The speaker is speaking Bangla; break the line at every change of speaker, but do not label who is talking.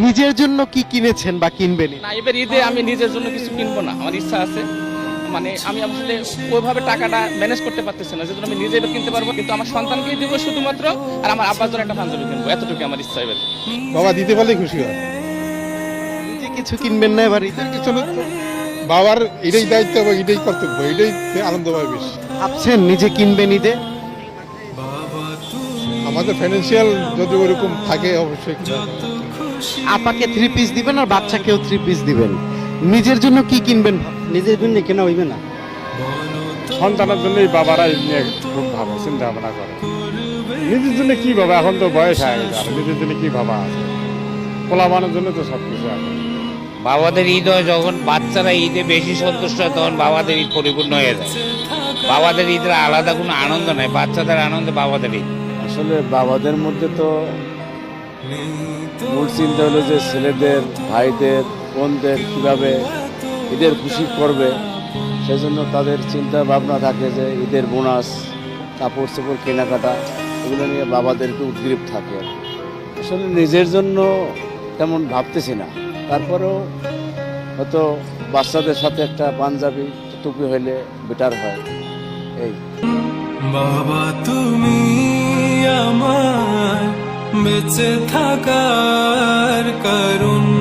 নিজের জন্য কি কিনেছেন বা কিনবেন?
না, এবার ঈদে আমি নিজের জন্য কিছু কিনবো না, আমার ইচ্ছা আছে। মানে আমি আসলে ওইভাবে টাকাটা ম্যানেজ করতে পারতেছি না, যেহেতু আমি নিজে এবার কিনতে পারবো, কিন্তু আমার সন্তানকেই দিব শুধুমাত্র, আর আমার আব্বার জন্য একটা পাঞ্জাবি কিনবো, এতটুকু আমার ইচ্ছা এবার।
বাবা দিতে পারলেই খুশি হয়।
নিজে কিছু কিনবেন না এবার ঈদে?
কিছু না তো, বাবার এটাই দায়িত্ব এবং এটাই কর্তব্য, এটাই আনন্দ পায় বেশি।
ভাবছেন নিজে কিনবেন ঈদে?
আমাদের ফাইন্যান্সিয়াল যদি ওরকম থাকে অবশ্যই কিনা হবে।
আপাকে 3 পিস দিবেন আর বাচ্চাকেও 3 পিস দিবেন, নিজের জন্য কি কিনবেন?
নিজের জন্য কেনা হইবে না,
সন্তানের জন্যই বাবারা এই নিয়ে খুব ভাবে চিন্তা ভাবনা করে। নিজের জন্য কি ভাবা, এখন তো বয়স হয়ে গেছে, আর নিজের জন্য কি ভাবা আছে? পোলাবানের জন্য তো সবকিছু আছে।
বাবাদের ঈদ হয় যখন বাচ্চারা ঈদে বেশি সন্তুষ্ট হয়, তখন বাবাদের ঈদ পরিপূর্ণ হয়ে যায়। বাবাদের ঈদের আলাদা কোনো আনন্দ নাই, বাচ্চাদের আনন্দে বাবাদের ঈদ।
আসলে বাবাদের মধ্যে তো মূল চিন্তা হলো যে ছেলেদের, ভাইদের, বোনদের কীভাবে ঈদের খুশি করবে, সেজন্য তাদের চিন্তা ভাবনা থাকে যে ঈদের বোনাস, কাপড় চোপড় কেনাকাটা, এগুলো নিয়ে বাবাদের একটু উদ্গ্রীব থাকে। আসলে নিজের জন্য তেমন ভাবতেছি না, তারপরেও হয়তো বাচ্চাদের সাথে একটা পাঞ্জাবি টুপি হইলে বেটার হয়। এই
বাবা তুমি আমার বেঁচে থাকার কারণ।